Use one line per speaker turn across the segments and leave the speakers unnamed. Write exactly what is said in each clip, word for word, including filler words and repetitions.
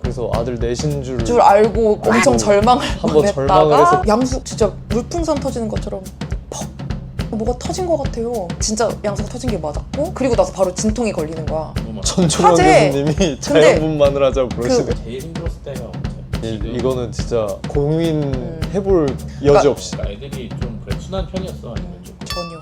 그래서 아들 내신 줄,
줄 알고 엄청 절망을
한번 절망을 해서
양수 진짜 물풍선 터지는 것처럼 퍽 뭐가 터진 것 같아요. 진짜 양수가 터진 게 맞았고 그리고 나서 바로 진통이 걸리는 거야.
전종환
화재!
교수님이 자연분만을 하자고 그러시네.
제일 힘들었을 때가 언제?
이, 이거는 진짜 고민해볼
음.
여지 없이
그러니까 애들이 좀 그래 순한 편이었어 아니면 좀
전혀.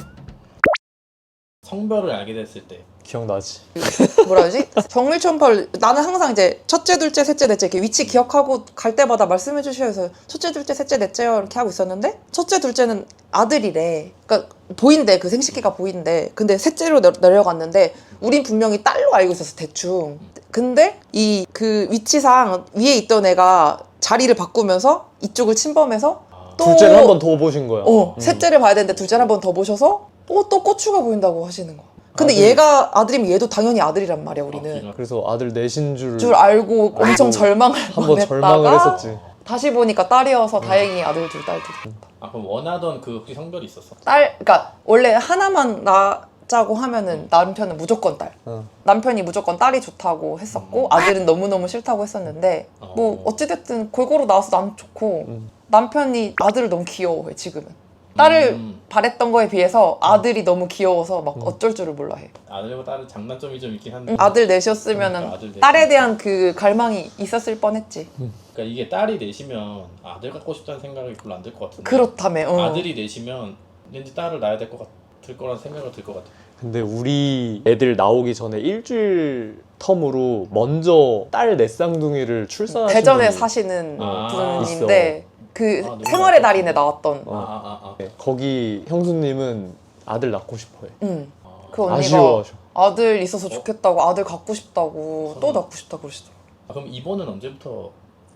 성별을 알게 됐을 때
기억나지?
뭐라 하지? 정밀초음파를 나는 항상 이제 첫째, 둘째, 셋째, 넷째 이렇게 위치 기억하고 갈 때마다 말씀해 주셔야 해서 첫째, 둘째, 셋째, 넷째요 이렇게 하고 있었는데 첫째, 둘째는 아들이래. 그러니까 보인대. 그 생식기가 보인대. 근데 셋째로 내, 내려갔는데 우린 분명히 딸로 알고 있었어 대충. 근데 이 그 위치상 위에 있던 애가 자리를 바꾸면서 이쪽을 침범해서 또
둘째를 한 번 더 보신 거야.
어,
음.
셋째를 봐야 되는데 둘째를 한 번 더 보셔서 어, 또 고추가 보인다고 하시는 거야. 근데
아들.
얘가 아들이면 얘도 당연히 아들이란 말이야 우리는.
아,
그래서 아들 내신 줄,
줄 알고 엄청 절망을
한번 절망을 했었지.
다시 보니까 딸이어서 다행히 아들 둘, 딸 둘.
아 그럼 원하던 그 혹시 성별이 있었어?
딸, 그러니까 원래 하나만 낳자고 하면은 남편은 무조건 딸.
어.
남편이 무조건 딸이 좋다고 했었고 아들은 너무너무 싫다고 했었는데 뭐 어찌됐든 골고루 나와서 남 좋고
음.
남편이 아들을 너무 귀여워해 지금은. 딸을
음.
바랬던 거에 비해서 아들이 너무 귀여워서 막 어쩔 줄을 몰라 해.
아들과 딸은 장단점이 좀 있긴 한데
아들 넷이었으면은
그러니까 아들 넷이.
딸에 대한 그 갈망이 있었을 뻔했지.
그러니까 이게 딸이 넷이면 아들 갖고 싶다는 생각이 별로 안 들 것 같은데
그렇다며. 어.
아들이 넷이면 왠지 딸을 낳아야 될 것 같을 거라는 생각이 들 것 같아.
근데 우리 애들 나오기 전에 일주일 텀으로 먼저 딸 넷쌍둥이를 출산하신
대전에
분이
사시는
아,
분인데 그
아, 너무
생활의
좋았다.
달인에 나왔던.
어.
아아아 아, 아.
네, 거기 형수님은 아들 낳고 싶어해.
응.
아.
그 언니가
아쉬워하셔.
아들 있어서 좋겠다고 아들 갖고 싶다고 또 낳고 싶다고 그러시더라고.
아, 그럼 입원은 언제부터?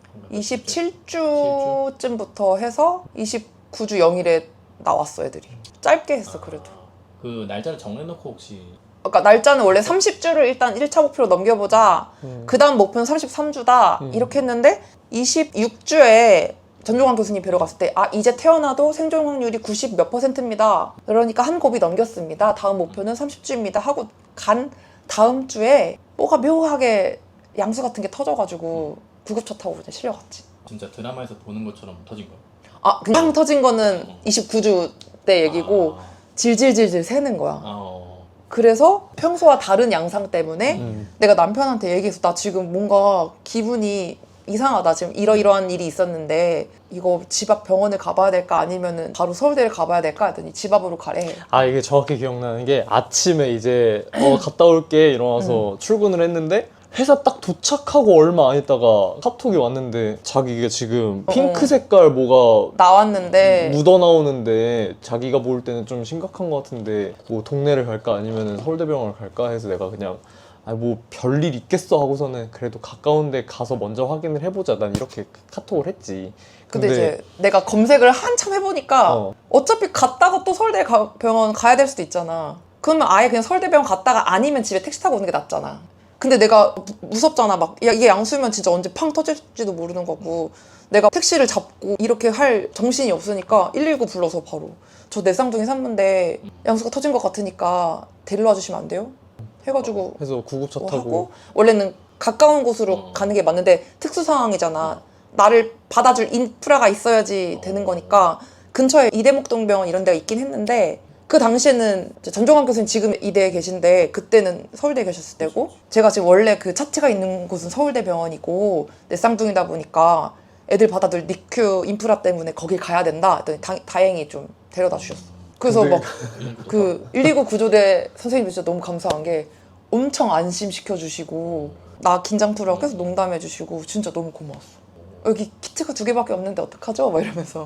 이십칠 주쯤부터 해서 이십구 주 영 일에 나왔어 애들이. 짧게 했어 그래도.
아, 그 날짜를 정해놓고 혹시
그러니까 날짜는 원래 삼십 주를 일단 일 차 목표로 넘겨보자.
음.
그 다음 목표는 삼십삼 주다.
음.
이렇게 했는데 이십육 주에 전종환 교수님 뵈러 갔을 때 아 이제 태어나도 생존 확률이 구십 몇 퍼센트입니다. 그러니까 한 곱이 넘겼습니다. 다음 목표는 삼십 주입니다. 하고 간 다음 주에 뭐가 묘하게 양수 같은 게 터져가지고 구급차 타고 그냥 실려갔지.
진짜 드라마에서 보는 것처럼 터진 거야?
아 그냥 터진 거는 이십구 주 때 얘기고
아,
질질질질 새는 거야.
아, 어.
그래서 평소와 다른 양상 때문에
음.
내가 남편한테 얘기해서 나 지금 뭔가 기분이 이상하다. 지금 이러이러한 일이 있었는데 이거 집 앞 병원을 가봐야 될까 아니면은 바로 서울대를 가봐야 될까 했더니 집 앞으로 가래.
아 이게 정확히 기억나는 게 아침에 이제 어 갔다 올게 이러면서 출근을 했는데 회사 딱 도착하고 얼마 안 있다가 카톡이 왔는데 자기가 지금 핑크 색깔 뭐가
나왔는데
묻어 나오는데 자기가 볼 때는 좀 심각한 것 같은데 뭐 동네를 갈까 아니면 서울대병원을 갈까 해서 내가 그냥 아 뭐 별일 있겠어 하고서는 그래도 가까운데 가서 먼저 확인을 해보자 난 이렇게 카톡을 했지.
근데, 이제 내가 검색을 한참 해보니까
어.
어차피 갔다가 또 서울대 가, 병원 가야 될 수도 있잖아. 그러면 아예 그냥 서울대병원 갔다가 아니면 집에 택시 타고 오는 게 낫잖아. 근데 내가 무, 무섭잖아. 막 야, 이게 양수면 진짜 언제 팡 터질지도 모르는 거고 내가 택시를 잡고 이렇게 할 정신이 없으니까 일일구 불러서 바로 저 내 쌍둥이 산모인데 양수가 터진 것 같으니까 데리러 와주시면 안 돼요? 해가지고
해서 구급차
뭐
타고
하고 원래는 가까운 곳으로
어.
가는 게 맞는데 특수 상황이잖아. 나를 받아줄 인프라가 있어야지 되는 거니까 근처에 이대목동병원 이런 데가 있긴 했는데 그 당시에는 이제 전종환 교수님 지금 이대에 계신데 그때는 서울대에 계셨을 때고 제가 지금 원래 그 차트가 있는 곳은 서울대병원이고 내 쌍둥이다 보니까 애들 받아줄 니큐 인프라 때문에 거길 가야 된다 했더니 다, 다행히 좀 데려다 주셨어. 그래서
근데
막 그 일이구 구조대 선생님이 진짜 너무 감사한 게 엄청 안심시켜 주시고 나 긴장 풀라고 계속 농담해 주시고 진짜 너무 고마웠어. 여기 키트가 두 개밖에 없는데 어떡하죠? 막 이러면서.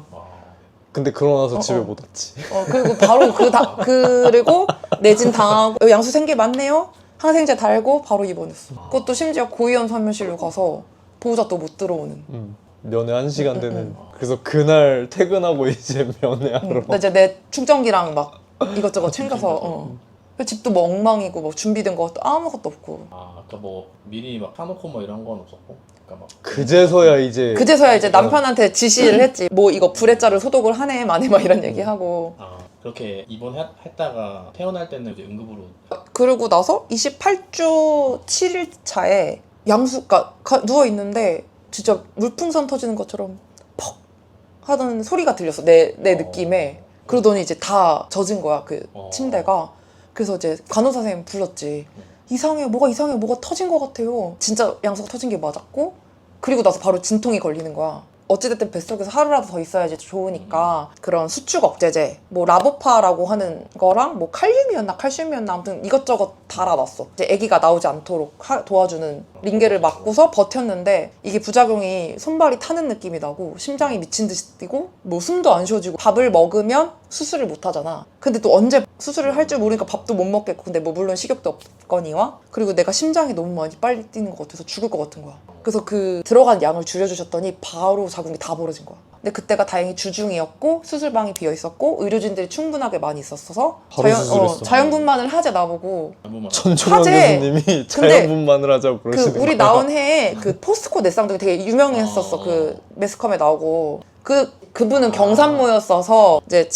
근데 그러고 나서
어,
집에
어.
못 왔지.
어 그리고 바로 그 다 그리고 내진 당하고 여기 양수 생기 맞네요. 항생제 달고 바로 입원했어. 그것도 심지어 고위험 사무실로 가서 보호자 또 못 들어오는.
음. 면회 한 시간
음, 음,
되는.
음.
그래서 그날 퇴근하고 이제 면회하러.
나 이제 내 충전기랑 막 이것저것 챙겨서 어. 집도 뭐 엉망이고 뭐 준비된 것도 아무것도 없고.
아, 아까 뭐 미리 막 사놓고 뭐 이런 건 없었고, 그러니까 막
그제서야 이제
그제서야 이제 남편한테 지시를 했지. 뭐 이거 불에 자를 소독을 하네 마네 막 이런 얘기하고.
아 그렇게 입원했다가 태어날 때는 이제 응급으로
그러고 나서 이십팔 주 칠 일 차에 양수, 그러니까 가- 누워있는데 진짜 물풍선 터지는 것처럼 퍽 하던 소리가 들렸어. 내, 내
어.
느낌에. 그러더니 이제 다 젖은 거야, 그
어.
침대가. 그래서 이제 간호사 선생님 불렀지. 이상해요. 뭐가 이상해요. 뭐가 터진 것 같아요. 진짜 양수가 터진 게 맞았고, 그리고 나서 바로 진통이 걸리는 거야. 어찌됐든 뱃속에서 하루라도 더 있어야지 좋으니까 그런 수축 억제제, 뭐 라보파라고 하는 거랑 뭐 칼륨이었나 칼슘이었나 아무튼 이것저것 달아놨어. 이제 아기가 나오지 않도록 하- 도와주는 링겔을 맞고서 버텼는데 이게 부작용이 손발이 타는 느낌이 나고 심장이 미친 듯이 뛰고 뭐 숨도 안 쉬어지고 밥을 먹으면 수술을 못 하잖아. 근데 또 언제 수술을 할 줄 모르니까 밥도 못 먹겠고 근데 뭐 물론 식욕도 없거니와 그리고 내가 심장이 너무 많이 빨리 뛰는 것 같아서 죽을 것 같은 거야. 그래서 그 들어간 양을 줄여주셨더니 바로 자궁이 다 벌어진 거야. 근데 그때가 다행히 주중이었고 수술방이 비어 있었고 의료진들이 충분하게 많이 있었어서
바로
자연,
수술했어.
자연분만을 하재 나보고
잘못만
전종환
화제!
교수님이 자연분만을 하자고
그
그러시는
우리
거야.
나온 해에 그 포스코 내쌍둥이 되게 유명했었어.
어.
그 매스컴에 나오고 그 그분은
아.
경산모였어서 이제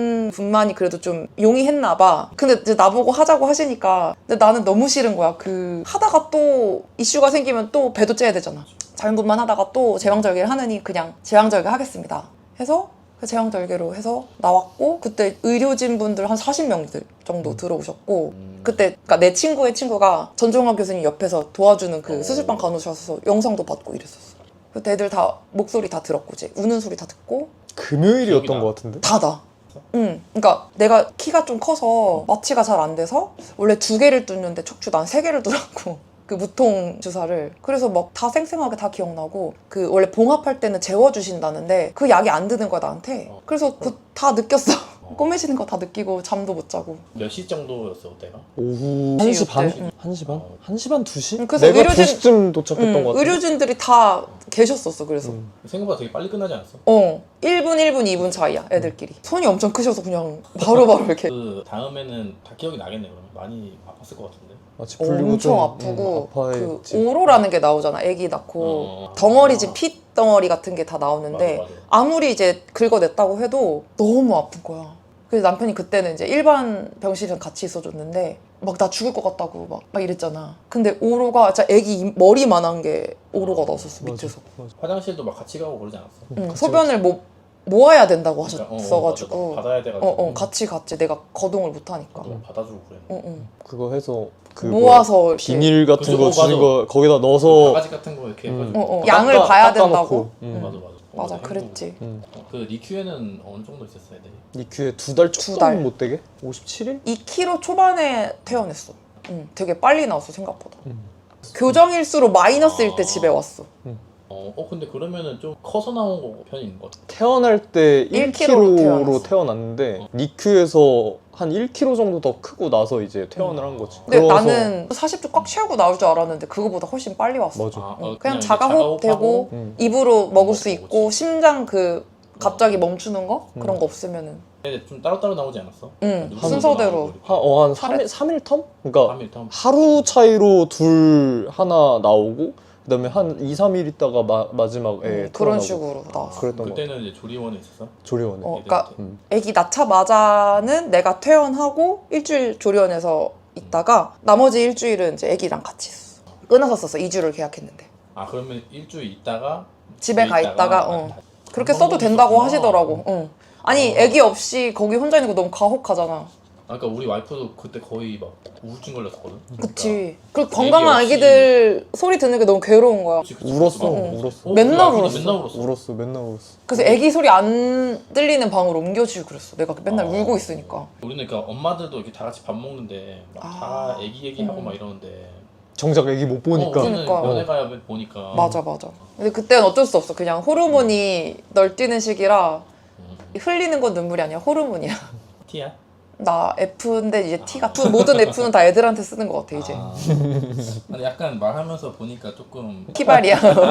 자연분만이 그래도 좀 용이했나 봐. 근데 이제 나보고 하자고 하시니까 근데 나는 너무 싫은 거야. 그 하다가 또 이슈가 생기면 또 배도 째야 되잖아. 자연분만 하다가 또 제왕절개를 하느니 그냥 제왕절개 하겠습니다 해서 그 제왕절개로 해서 나왔고 그때 의료진 분들 한 사십 명들 정도
음.
들어오셨고
음.
그때 그러니까 내 친구의 친구가 전종환 교수님 옆에서 도와주는 그
어.
수술방 간호셔서 영상도 받고 이랬었어. 그때 애들 다 목소리 다 들었고 이제 우는 소리 다 듣고
금요일이었던
기억이 나.
것 같은데?
다 나. 응. 그러니까 내가 키가 좀 커서 마취가 잘 안 돼서 원래 두 개를 뚫는데 척추 난 세 개를 뚫었고 그 무통 주사를 그래서 막 다 생생하게 다 기억나고 그 원래 봉합할 때는 재워주신다는데 그 약이 안 드는 거야 나한테.
어.
그래서 그 다 느꼈어.
어.
꼬매지는 거 다 느끼고 잠도 못 자고.
몇 시 정도였어 그때가?
오후 한 시 반?
응.
한 시 반?
어.
한 시 반, 두 시?
응, 그래서
내가
의료진-
두 시쯤 도착했던
응,
것 같아.
의료진들이 다 계셨었어. 그래서
음.
생각보다 되게 빨리 끝나지 않았어?
어 일 분, 일 분, 이 분 차이야 애들끼리. 손이 엄청 크셔서 그냥 바로바로 이렇게
그 다음에는 다 기억이 나겠네 그러면 많이 아팠을 것 같은데.
마치 풀리고
엄청
좀,
아프고
음,
그
아파했지.
오로라는 게 나오잖아. 애기 낳고
어.
덩어리진 피 덩어리 같은 게 다 나오는데
맞아, 맞아.
아무리 이제 긁어냈다고 해도 너무 아픈 거야. 그래서 남편이 그때는 이제 일반 병실이랑 같이 있어줬는데 막 나 죽을 것 같다고 막, 막 이랬잖아. 근데 오로가 진짜 애기 이- 머리만한 게 오로가 나왔었어
맞아,
밑에서.
맞아.
화장실도 막 같이 가고 그러지 않았어?
응,
같이
소변을 뭐 모아야 된다고
그러니까, 어, 어,
하셨어가지고
맞아. 받아야 돼가지고.
어, 어, 같이 갔지. 내가 거동을 못 하니까.
너 받아주고 그래.
응, 응.
그거 해서 그
모아서
뭐
이렇게
비닐 같은
그죠?
거
어,
주는
맞아.
거 거기다 넣어서
바가지 같은 거 이렇게
음.
해가지고.
어, 어.
닦아-
양을 봐야
닦아놓고.
된다고?
음.
맞아 맞아. 어,
맞아,
힘들고.
그랬지.
음.
어, 그 니큐에는 어느 정도 있었어 애들이?
니큐에 두 달
두
조금
달.
못 되게? 오십칠 일?
이 킬로그램 초반에 퇴원했어. 응, 되게 빨리 나왔어 생각보다.
음.
교정일수로 마이너스일 때
아.
집에 왔어.
어, 어 근데 그러면은 좀 커서 나온 거 편인 것 같아.
태어날 때
일
일
킬로그램로
킬로그램로
태어났어.
태어났는데
어.
니큐에서 한 일 킬로그램 정도 더 크고 나서 이제 퇴원을 한 거지.
근데
그래서-
나는 사십 주 꽉 채우고 나올 줄 알았는데 그거보다 훨씬 빨리 왔어.
맞아.
아,
응,
어,
그냥
이제
자가호흡 되고
자가호흡하고
음.
입으로 먹을 수
먹고
있고
오지.
심장 그 갑자기 멈추는 거
음.
그런 거 없으면은
근데 좀 따로따로 나오지 않았어?
응
누구도
순서대로.
나오고 이렇게.
한, 어, 한
팔 일?
삼 일 텀? 그러니까
삼 일 텀.
하루 차이로 둘 하나 나오고 그다음에 한 이, 삼 일 있다가 마, 마지막에
응, 그런
퇴원하고.
식으로 나왔어.
아, 그랬던 거
그때는 이제 조리원에 있었어?
조리원에.
어,
애들한테?
그러니까
음.
애기 낳자마자는 내가 퇴원하고 일주일 조리원에서 있다가 나머지 일주일은 이제 애기랑 같이 있었어. 끊어서 썼어. 이 주를 계약했는데.
아 그러면 일주일 있다가
집에 가 있다가, 어. 그렇게
한
써도
번
된다고
있었구나.
하시더라고. 응. 아니
어.
애기 없이 거기 혼자 있는 거 너무 가혹하잖아.
아, 그러니까 우리 와이프도 그때 거의 막 우울증 걸렸었거든.
그치. 그리고
애기
건강한
없이-
애기들 소리 듣는 게 너무 괴로운 거야.
그치, 그치,
울었어,
그치.
응.
울었어.
어,
맨날
우리 와이프도
울었어.
맨날 울었어.
울었어, 맨날 울었어.
그래서 애기 소리 안 들리는 방으로 옮겨주고 그랬어. 내가 맨날
어.
울고 있으니까.
우리는 그러니까 엄마들도 이렇게 다 같이 밥 먹는데 막 다
아.
애기 얘기하고
음.
막 이러는데
정작 애기 못 보니까.
어, 우리는
그러니까.
면회 가야 보니까
맞아 맞아. 근데 그때는 어쩔 수 없어. 그냥 호르몬이 널뛰는 시기라
음.
흘리는 건 눈물이 아니야. 호르몬이야.
티야?
나 F인데 이제 T가 F, 모든 F는 다 애들한테 쓰는 것 같아 이제.
아. 아니 약간 말하면서 보니까 조금
키발이야.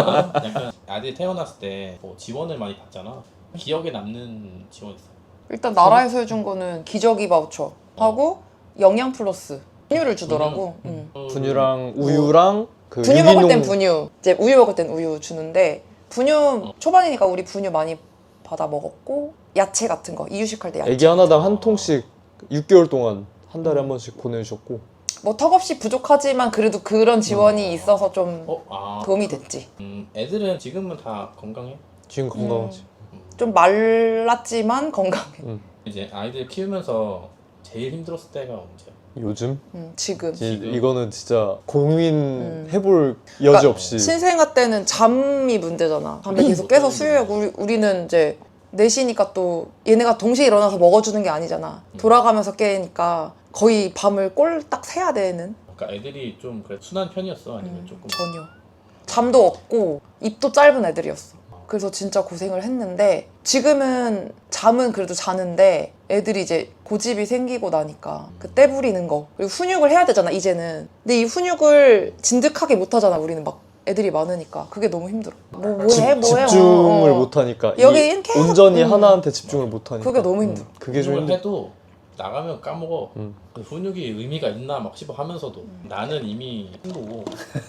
약간 아들 태어났을 때 뭐 지원을 많이 받잖아. 기억에 남는 지원 있어.
일단 나라에서 해준 거는 기저귀 바우처 하고 영양 플러스 분유를 주더라고.
분유?
응.
어,
분유랑 우유랑 그
분유 먹을 땐
유기농-
분유, 이제 우유 먹을 땐 우유 주는데 분유
어.
초반이니까 우리 분유 많이 받아 먹었고 야채 같은 거 이유식 할 때 야채.
애기 하나당 한 통씩 육 개월 동안 한 달에 한 번씩 보내주셨고
뭐 턱없이 부족하지만 그래도 그런 지원이 있어서 좀
어? 아
도움이 됐지.
음, 애들은 지금은 다 건강해?
지금 건강하지.
좀 말랐지만 건강해.
음.
이제 아이들 키우면서 제일 힘들었을 때가 언제야?
요즘
음, 지금.
이,
지금?
이거는 진짜 고민해볼
음.
여지
그러니까
없이
신생아 때는 잠이 문제잖아. 밤에 계속 깨서 수유하고 우리, 우리는 이제 넷이니까 또 얘네가 동시에 일어나서 먹어주는 게 아니잖아. 돌아가면서 깨니까 거의 밤을 꼴딱 새야 되는.
그러니까 애들이 좀 그래 순한 편이었어? 아니면
음,
조금
전혀. 잠도 없고 입도 짧은 애들이었어. 그래서 진짜 고생을 했는데 지금은 잠은 그래도 자는데 애들이 이제 고집이 생기고 나니까 그 때 부리는 거 그리고 훈육을 해야 되잖아 이제는. 근데 이 훈육을 진득하게 못 하잖아 우리는 막 애들이 많으니까 그게 너무 힘들어. 뭐 뭐해
집,
뭐해
집중을
어, 어.
못하니까
여기
이
계속-
온전히
음.
하나한테 집중을 못하니까
그게 너무 힘들어.
음, 그게 좀
훈육을
힘들어.
해도 나가면 까먹어.
음.
그 훈육이 의미가 있나 막 싶어 하면서도
음.
나는 이미 친구고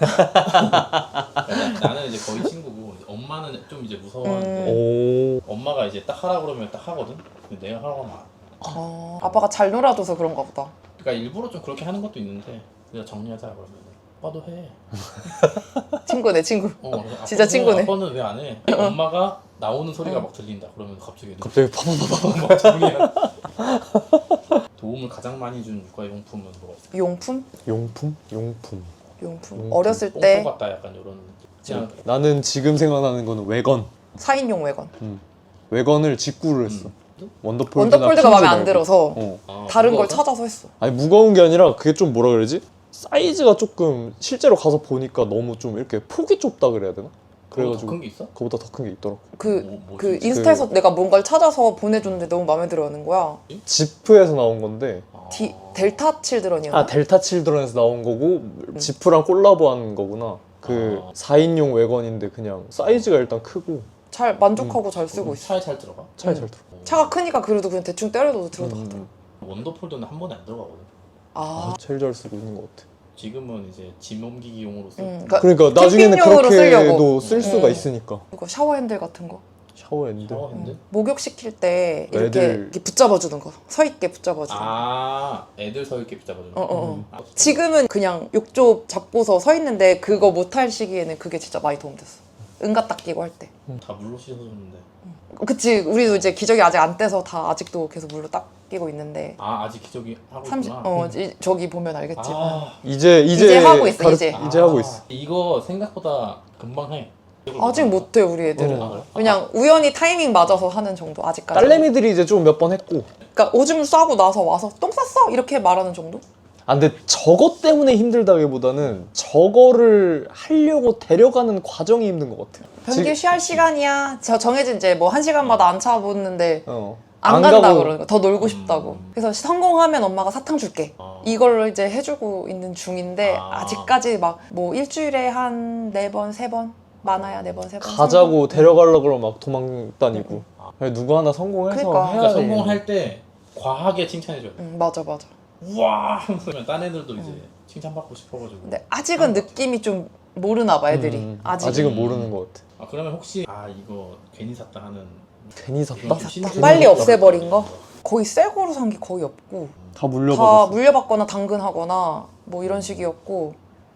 나- 나는 이제 거의 친구고 이제 엄마는 좀 이제 무서워하는데
오
엄마가 이제 딱 하라 그러면 딱 하거든. 근데 내가 하라고 하면 안 해.
어, 아빠가 잘 놀아줘서 그런가 보다.
그러니까 일부러 좀 그렇게 하는 것도 있는데 내가 정리하자 그러면 아빠도 해.
친구네 친구.
어, 그래서
진짜
아빠는
친구네.
해. 아빠는 왜 안 해? 엄마가 나오는 소리가 막 들린다. 그러면 갑자기
갑자기 파파파파
막 정리해. 도움을 가장 많이 준 육아용품은 뭐가 있어?
용품?
용품? 용품
용품.
용품.
어렸을
뽕뽕
때
같다 약간 이런 그냥
나는 지금 생각나는 거는 외건
사인용 외건.
외건을 직구를 했어
음?
원더폴드나
원더폴드가
퀸즈
마음에 안
말고.
들어서
어.
아,
다른 걸
무거워서?
찾아서 했어.
아니 무거운 게 아니라 그게 좀 뭐라 그러지? 사이즈가 조금 실제로 가서 보니까 너무 좀 이렇게 폭이 좁다 그래야 되나? 그래가지고
큰 게 있어?
그거보다 더 큰 게 있더라고.
그,
뭐- 뭐지?
그 인스타에서 내가 뭔가를 찾아서 보내줬는데 너무 마음에 들어 하는 거야.
지프에서 나온 건데
아.
디, 델타 칠드런이었나?
아 델타 칠드런에서 나온 거고 지프랑 콜라보한 거구나. 그
아.
사 인용 외건인데 그냥 사이즈가 일단 크고
잘 만족하고 잘 쓰고 있어.
차에 잘 들어가?
차에
음.
잘 들어.
차가 크니까 그래도 그냥 대충 때려도 들어가더라.
음,
원더폴드는 한 번에 안 들어가거든.
아,
아, 제일 잘 쓰고 있는 것 같아.
지금은 이제 짐 옮기기용으로 쓰고
음, 그러니까
그러니까 나중에는
캠핑용으로 쓰려고.
그렇게도 쓸 수가
음.
있으니까.
이거 샤워 핸들 같은 거.
샤워 핸드.
샤워 핸들?
음. 목욕 시킬 때 이렇게,
애들-
이렇게 붙잡아주는 거. 서 있게 붙잡아주는 거.
아 애들 서 있게 붙잡아주는
어, 어, 어.
음.
아,
지금은 그냥 욕조 잡고서 서 있는데 그거 못할 시기에는 그게 진짜 많이 도움됐어. 응가 딱 끼고 할 때.
다 물로 씻어줬는데
그치, 우리도 이제 기저귀 아직 안 떼서 다 아직도 계속 물로 딱 끼고 있는데.
아 아직 기저귀 하고
삼십,
있구나.
어, 이- 저기 보면 알겠지.
아,
이제 이제
이제 하고 있어,
가르-
이제.
이제 하고 있어.
이거 생각보다 금방 해.
아직 못해 우리 애들은.
아, 그래?
그냥 우연히 타이밍 맞아서 하는 정도 아직까지.
딸내미들이 이제 좀 몇 번 했고.
그러니까 오줌 싸고 나서 와서 똥 쌌어 이렇게 말하는 정도?
아 근데 저것 때문에 힘들다기보다는 저거를 하려고 데려가는 과정이 힘든 것 같아요.
변기 쉬할 시간이야. 저 정해진 이제 뭐 한 시간마다 안 차보는데
어.
안, 간다
가고
그러는 거. 더 놀고 싶다고.
음.
그래서 성공하면 엄마가 사탕 줄게.
아.
이걸로 이제 해주고 있는 중인데
아.
아직까지 막 뭐 일주일에 한 네 번, 세 번 많아야 네 번, 세 번.
가자고 데려가려고 그러면 막 도망 다니고.
아.
그냥 누구 하나 성공해서
그러니까.
해야
그러니까
돼.
성공할 때 과하게 칭찬해줘야 돼.
응, 맞아 맞아.
우와 하면서 딴 애들도 이제 칭찬받고 싶어가지고.
근데 아직은 느낌이 좀 모르나 봐 애들이.
음,
아직.
아직은 모르는 것 같아.
아 그러면 혹시 아 이거 괜히 샀다 하는
괜히 샀다?
그런 좀 신경
빨리
쓰이는
없애버린 거?
거?
거의 새 거로 산 게 거의 없고
다
다
물려받았어.
물려받거나 당근하거나 뭐 이런 식이었고.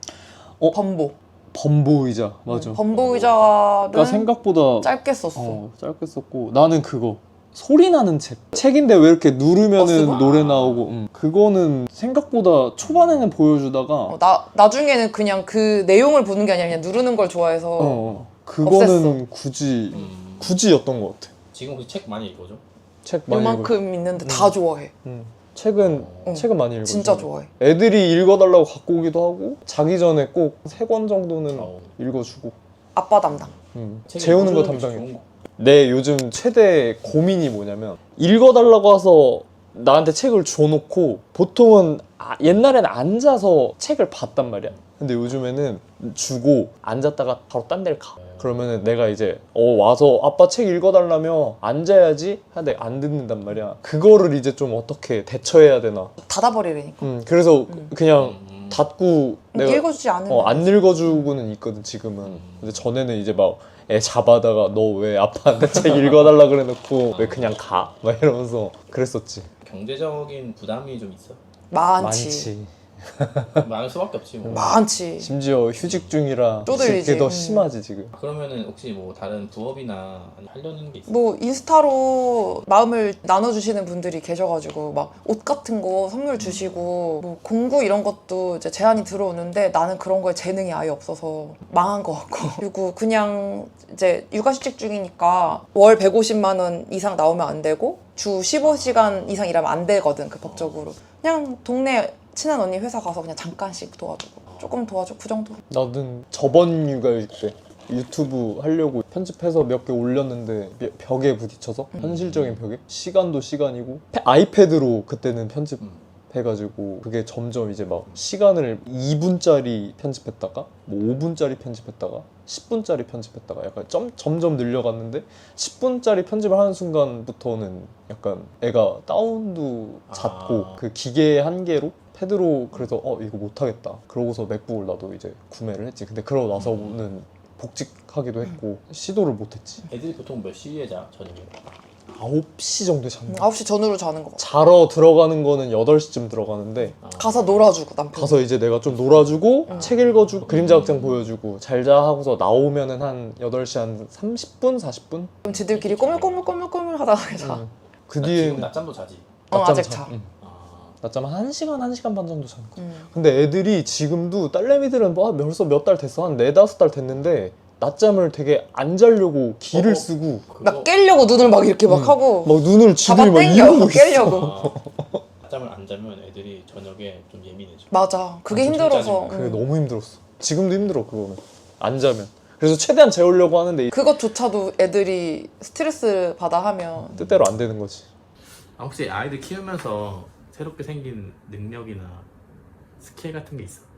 어?
범보.
범보 의자 맞아.
범보 의자는
그러니까 생각보다
짧게 썼어.
어, 짧게 썼고 나는 그거 소리 나는 책 책인데 왜 이렇게
어,
누르면은
쓰고?
노래 나오고 음. 그거는 생각보다 초반에는 보여주다가
어, 나 나중에는 그냥 그 내용을 보는 게 아니라 그냥 누르는 걸 좋아해서
어, 어. 그거는 굳이
음,
굳이였던 것 같아.
지금 혹시 책 많이 읽어줘?
책 많이 읽어.
요만큼 있는데 다 좋아해.
음. 책은
응.
책은 많이 읽어.
진짜 좋아해.
애들이 읽어달라고 갖고 오기도 하고 자기 전에 꼭 세 권 정도는
어.
읽어주고.
아빠 담당.
음.
책
재우는 거
읽어주는 게
담당해.
좋은 거.
내 요즘 최대 고민이 뭐냐면 읽어달라고 해서 나한테 책을 줘놓고 보통은 아, 옛날에는 앉아서 책을 봤단 말이야. 근데 요즘에는 주고 앉았다가 바로 딴 데를 가. 그러면은 내가 이제 어 와서 아빠 책 읽어달라며 앉아야지 하는데 안 듣는단 말이야. 그거를 이제 좀 어떻게 대처해야 되나.
닫아버리려니까.
음 그래서
음.
그냥
음.
닫고 내가
읽어주지 않으면.
어, 안 읽어주고는 있거든 지금은.
음.
근데 전에는 이제 막 애 잡아다가 너 왜 아빠한테 책 읽어달라 그래놓고 왜 그냥 가? 막 이러면서 그랬었지.
경제적인 부담이 좀 있어.
많지.
많지.
많을 수밖에 없지 뭐.
많지.
심지어 휴직 중이라
쪼들리지.
그게 더
음.
심하지 지금.
그러면은 혹시 뭐 다른 부업이나 하려는 게 있어?
뭐 인스타로 마음을 나눠주시는 분들이 계셔가지고 막 옷 같은 거 선물 주시고 뭐 공구 이런 것도 이제 제안이 들어오는데 나는 그런 거에 재능이 아예 없어서 망한 것 같고 그리고 그냥 이제 육아휴직 중이니까 월 백오십만 원 이상 나오면 안 되고 주 십오 시간 이상 일하면 안 되거든 그 법적으로. 그냥 동네 친한 언니 회사 가서 그냥 잠깐씩 도와주고 조금 도와주고 그 정도.
나는 저번 육아휴직 때 유튜브 하려고 편집해서 몇 개 올렸는데 벽- 벽에 부딪혀서 현실적인 벽에 시간도 시간이고 패- 아이패드로 그때는 편집해가지고 그게 점점 이제 막 시간을 이 분짜리 편집했다가 뭐 오 분짜리 편집했다가 십 분짜리 편집했다가 약간 점, 점점 늘려갔는데 십 분짜리 편집을 하는 순간부터는 약간 애가 다운도 잦고
아.
그 기계의 한계로 패드로 그래서 어 이거 못하겠다 그러고서 맥북을 나도 이제 구매를 했지. 근데 그러고 나서는 복직하기도 했고 시도를 못했지.
애들이 보통 몇 시에 자 저녁에?
아홉 시 정도에 자는 거.
아홉 시 전후로 자는 거 같아.
자러 들어가는 거는 여덟 시쯤 들어가는데
아.
가서 놀아주고 남편.
가서 이제 내가 좀 놀아주고
음.
책 읽어주고 그림자 극장 보여주고 잘 자 하고서 나오면은 한 여덟 시 한 삼십 분? 사십 분?
그럼 지들끼리 꼬물꼬물꼬물꼬물 하다가 자.
응. 그
나
뒤에
지금 낮잠도 자지.
어,
낮잠
아직 자.
응.
아.
낮잠 한 1시간, 한 시간 반 정도 자는 거.
음.
근데 애들이 지금도 딸내미들은 뭐 벌써 몇 달 됐어. 한 네다섯 달 됐는데 낮잠을 되게 안 자려고 기를
어.
쓰고
막 깨려고 눈을 막 이렇게 막
응.
하고
막 눈을
잡아
지들이 막
당겨
이러고 있어.
깨려고.
아. 낮잠을 안 자면 애들이 저녁에 좀 예민해져.
맞아. 그게
아,
힘들어서.
진짜
그게
음.
너무 힘들었어. 지금도 힘들어 그거는. 안 자면. 그래서 최대한 재우려고 하는데
그것조차도 애들이 스트레스 받아 하면
뜻대로 안 되는 거지.
아, 혹시 아이들 키우면서 새롭게 생긴 능력이나 스킬 같은 게 있어?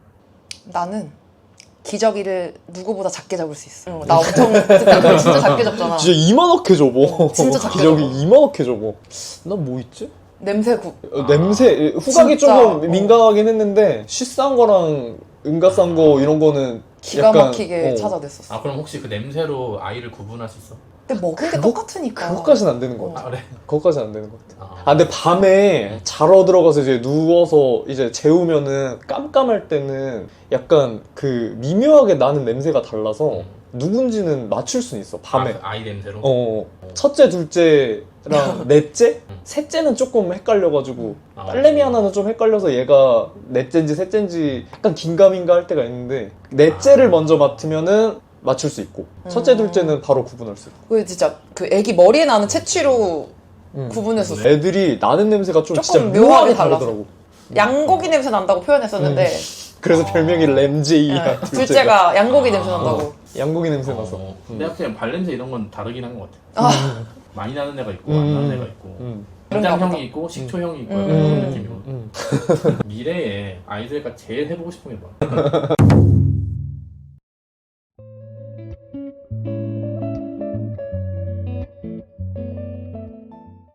나는 기저귀를 누구보다 작게 잡을 수 있어. 응, 나 엄청 그때 진짜 작게 잡잖아.
진짜 이만하게 접어.
진짜 작게
기저귀
접어.
이만하게 접어. 난 뭐 있지?
냄새국.
어,
아.
냄새 후각이
진짜,
조금
어.
민감하긴 했는데 쉬싼 거랑 은가싼 거 이런 거는
기가
약간,
막히게
어,
찾아냈었어.
아 그럼 혹시 그 냄새로 아이를 구분할 수 있어?
근데 먹은 게
그거-
똑같으니까.
그것까지는 안 되는 거
어.
같아.
아 그래?
그것까지는 안 되는 것 같아.
아,
아 근데 밤에 자러 들어가서 이제 누워서 이제 재우면은 깜깜할 때는 약간 그 미묘하게 나는 냄새가 달라서
음.
누군지는 맞출 수는 있어 밤에.
아, 그 아이 냄새로?
어 첫째 둘째랑 넷째
음.
셋째는 조금 헷갈려가지고
아,
딸내미 하나는 좀 헷갈려서 얘가 넷째인지 셋째인지 약간 긴가민가 할 때가 있는데 넷째를
아.
먼저 맡으면은 맞출 수 있고 첫째
음.
둘째는 바로 구분할 수 있고.
그 진짜 그 애기 머리에 나는 채취로
음.
구분했었어.
애들이 나는 냄새가 좀
조금
진짜
묘하게
묘하게
달라서.
다르더라고.
양고기 냄새 난다고 표현했었는데
그래서
아.
별명이 램제이야.
예, 둘째가 양고기
아.
냄새 난다고.
양고기 냄새 나서.
어,
음.
내가 그냥 발냄새 이런 건 다르긴 한 것 같아.
아,
많이 나는 애가 있고
음.
안 나는 애가 있고
음.
그런가 보다.
간장형이 있고 식초형이 있고
음.
약간 그런
음.
느낌이고
음.
미래에 아이들과 제일 해보고 싶은 게 뭐야?